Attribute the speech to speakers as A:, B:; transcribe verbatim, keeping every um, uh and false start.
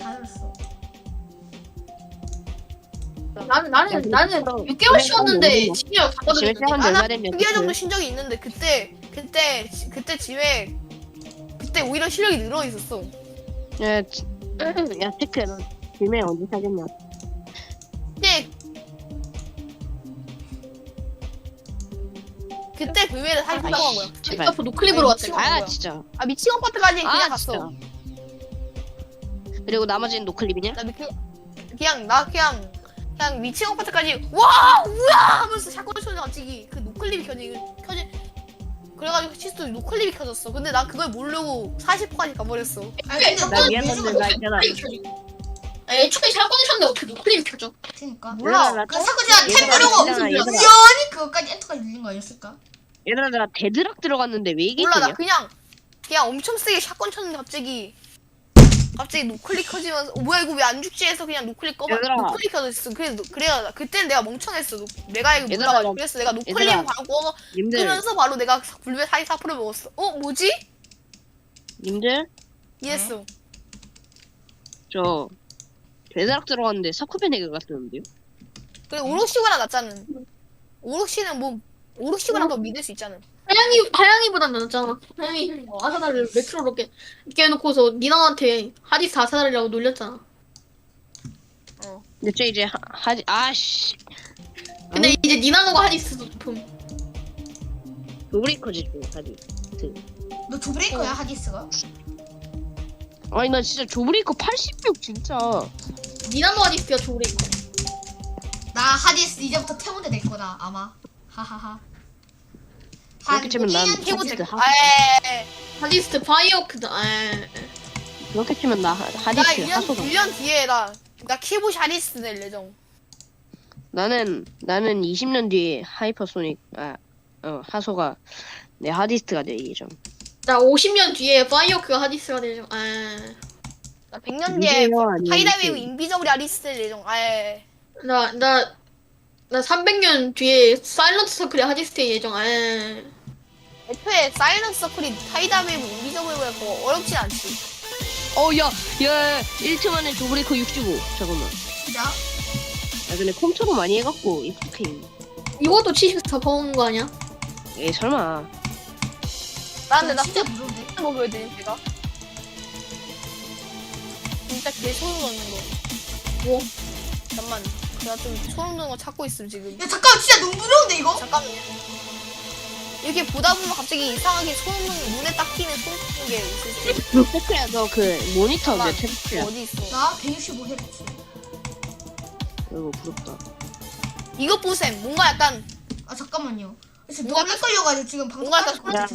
A: 다 들었어.
B: 나는 나는 나는 육 개월 쉬었는데 집에
C: 집에
B: 가거든요.
C: 시작한 지
D: 아,
C: 얼마
D: 나
C: 됐냐?
D: 육 개월 정도 쉰 적이 있는데 그때 그때 지- 그때 집에 그때 오히려 실력이 늘어 있었어.
C: 야, 지- 야, 테크, 너 집에 언제 사겠냐?
D: 그때 그때 그 외에 사실
C: 아이씨,
D: 한 거야.
C: 제발.
B: 앞으로 노클립으로 왔대.
D: 미치고.
C: 아,
D: 뭐야.
C: 진짜.
D: 아 미치광 파트까지 그냥
C: 아,
D: 갔어.
C: 진짜. 그리고 나머지는 노클립이냐?
D: 나 미치 그냥 나 그냥 그냥 미치광 파트까지 와 뭐야 하면서 샷건 쏘는 갑자기 그 노클립이 켜지 켜지. 그래가지고 시스도 노클립이 켜졌어. 근데 난 그걸 모르고 사십 퍼까지 가버렸어.
A: 아니 근데
C: 나
A: 너
C: 미안한데
A: 왜
C: 나 있잖아.
B: 애초에 샷건을 쳤는데 어떻게 노클립 켜져?
A: 그니까.
D: 몰라.
C: 나
A: 그 사쿠지가 템
C: 얘들아,
A: 누르고
C: 얘들아, 얘들아.
A: 우연히 그거까지 엔터까지 눌린 거 아니었을까?
C: 얘들아, 나 데드락 들어갔는데 왜 이게
D: 몰라 나
C: 있냐?
D: 그냥 그냥 엄청 세게 샷건 쳤는데 갑자기 갑자기 노클릭 켜지면서 어, 뭐야 이거 왜 안 죽지 해서 그냥 노클릭 꺼봐
C: 얘들아.
D: 노클릭 켜졌어. 그래서 노- 그래야 그때는 내가 멍청했어. 노, 내가 이거
C: 얘들아,
D: 몰라가지고
C: 나-
D: 그래서 내가 노클릭
C: 얘들아.
D: 바로 꺼
C: 님들,
D: 끄면서 바로 내가 불배 사십사 퍼센트 먹었어. 어 뭐지?
C: 님들,
D: 이랬어.
C: 저 데드락 들어갔는데 사쿠베네가 갔었는데요?
D: 그래 오록시보다 낫잖아. 오록시는 뭐 오록시보다 더 믿을 수 있잖아.
B: 하양이 하양이보단 낫잖아. 하양이 어, 아사다를 메트로로 깨 깨놓고서 니나한테 하디스 아사다리라고 놀렸잖아.
C: 근데 저 이제 하, 하지, 아씨.
B: 근데 이제 니나노가 하디스 높음.
C: 노브레이커지, 좀, 하지.
A: 너 조브레이커야 하디스가?
C: 아니, 나 진짜 조브레이커 팔십육, 진짜.
B: 니나노 하디스가 좋으니까.
A: 나 하디스 이제부터 태문대 될 거다 아마. 하하하.
C: 그렇게 치면 난
A: 한
C: 하디스
A: 해보자.
C: 하,
D: 아에
B: 하디스 파이어크다. 에.
C: 그렇게 치면 나 하-
D: 나
C: 하디스
D: 일 년,
C: 하소다.
D: 일 년 뒤에 나, 나 키보시 하디스 낼 예정.
C: 나는, 나는 이십 년 뒤에 하이퍼소닉, 아, 어, 하소가 내 하디스트가 될 예정.
B: 나 오십 년 뒤에 파이어크가 하디스가 되죠. 에.
D: 나 백 년 뒤에
C: 인비요, 아니면
D: 하이다웨이브
C: 그-
D: 인비저블이 하디스 낼 예정. 아에.
B: 나, 나, 나 삼백 년 뒤에 사일런트 서클의 하디스 예정. 에.
D: 애초에 사이런스 서클이 하이다웨이브 인비저블보다 더 어렵진 않지.
C: 어, 야, 야, 일 초 만에 조브레이커 육십오. 잠깐만.
A: 진짜?
C: 야, 근데 컴퓨터로 많이 해갖고, 익숙해.
B: 이것도 칠십사 퍼온 거 아니야?
C: 에이, 설마.
D: 나 근데 나
A: 진짜 무서운데?
D: 거 보여드림 제가. 진짜 개 소름 돋는 거.
B: 뭐?
D: 잠깐만. 내가 좀 소름 돋는 거 찾고 있음 지금.
A: 야 잠깐 진짜 너무 무서운데 이거?
D: 잠깐만요. 이렇게 보다 보면 갑자기 이상하게 소름 돋는 눈에 딱 띄는 소름 돋는 게 있을 수 있어.
C: 테크야, 너 그 모니터
D: 잠깐만.
C: 몇 테크야?
D: 어디 있어?
A: 나 백육십오 헤르츠.
C: 이거 부럽다.
D: 이것 보셈. 뭔가 약간
A: 아 잠깐만요. 지금
D: 뭔가
A: 너무 헷갈려가지고 지금 방송
D: 뭔가 약간
A: 하면서